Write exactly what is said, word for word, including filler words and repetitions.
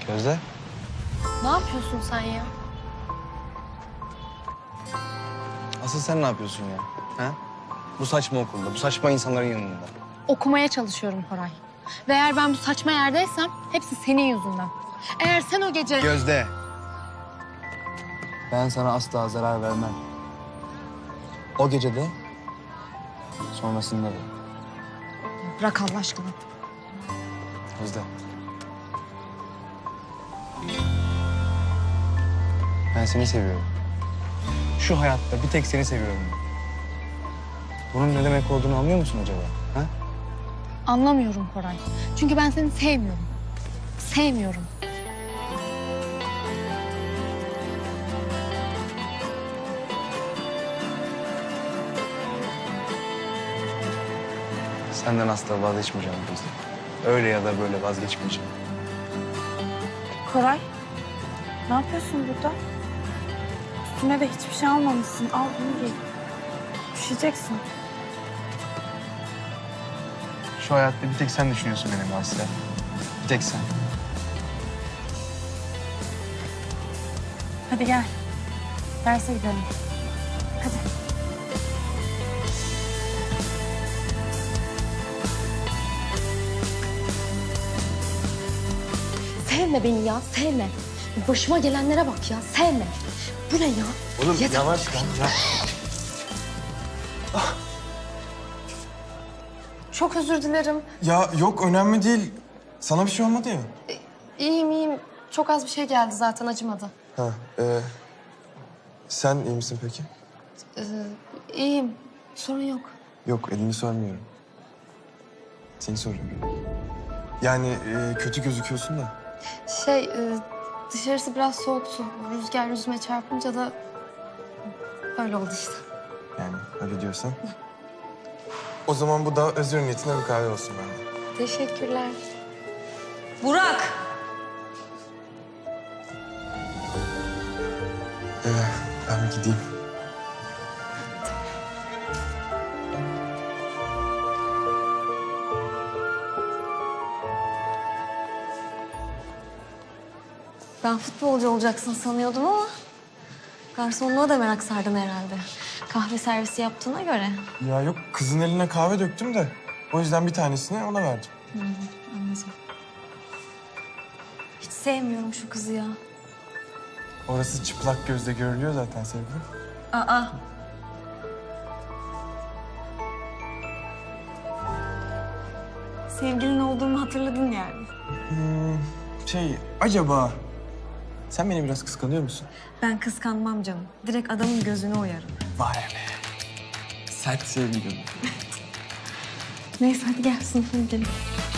Gözde. Ne yapıyorsun sen ya? Asıl sen ne yapıyorsun ya? Ha? Bu saçma okulda, bu saçma insanların yanında. Okumaya çalışıyorum Koray. Ve eğer ben bu saçma yerdeysem hepsi senin yüzünden. Eğer sen o gece... Gözde. Ben sana asla zarar vermem. O gece de, sonrasında da. Bırak Allah aşkına. Gözde. Ben seni seviyorum. Şu hayatta bir tek seni seviyorum. Bunun ne demek olduğunu anlıyor musun acaba? Ha? Anlamıyorum Koray. Çünkü ben seni sevmiyorum. Sevmiyorum. Senden asla vazgeçmeyeceğim Gözde. Öyle ya da böyle vazgeçmeyeceğim. Koray, ne yapıyorsun burada? Üstüne de hiçbir şey almamışsın. Al bunu giy. Üşüyeceksin. Şu hayatta bir tek sen düşünüyorsun benim Asya. Bir tek sen. Hadi gel. Derse gidelim. Hadi. Sevme beni ya, sevme. Başıma gelenlere bak ya, sevme. Bu ne ya? Oğlum Yeter. yavaş lan ya. Çok özür dilerim. Ya yok önemli değil. Sana bir şey olmadı ya. İyiyim, iyiyim. Çok az bir şey geldi zaten, acımadı. Ha, e, sen iyi misin peki? Ee, iyiyim, sorun yok. Yok elini sormuyorum. Seni soruyorum. Yani e, kötü gözüküyorsun da. Şey, e, dışarısı biraz soğuktu. Rüzgar yüzüme çarpınca da öyle oldu işte. Yani öyle diyorsan. O zaman bu da özür niyetine bir kahve olsun bende. Teşekkürler. Burak! Ee, ben bir gideyim. Ben futbolcu olacaksın sanıyordum ama garsonluğa da merak sardın herhalde. Kahve servisi yaptığına göre. Ya yok kızın eline kahve döktüm de. O yüzden bir tanesini ona verdim. Anladım. Hiç sevmiyorum şu kızı ya. Orası çıplak gözle görülüyor zaten sevgilim. Aa. Sevgilin olduğumu hatırladın yani. Hmm, şey acaba sen beni biraz kıskanıyor musun? Ben kıskanmam canım. Direkt adamın gözüne oyarım. Vay be. Sert sevgilim. Neyse hadi gel sınıfa gidelim.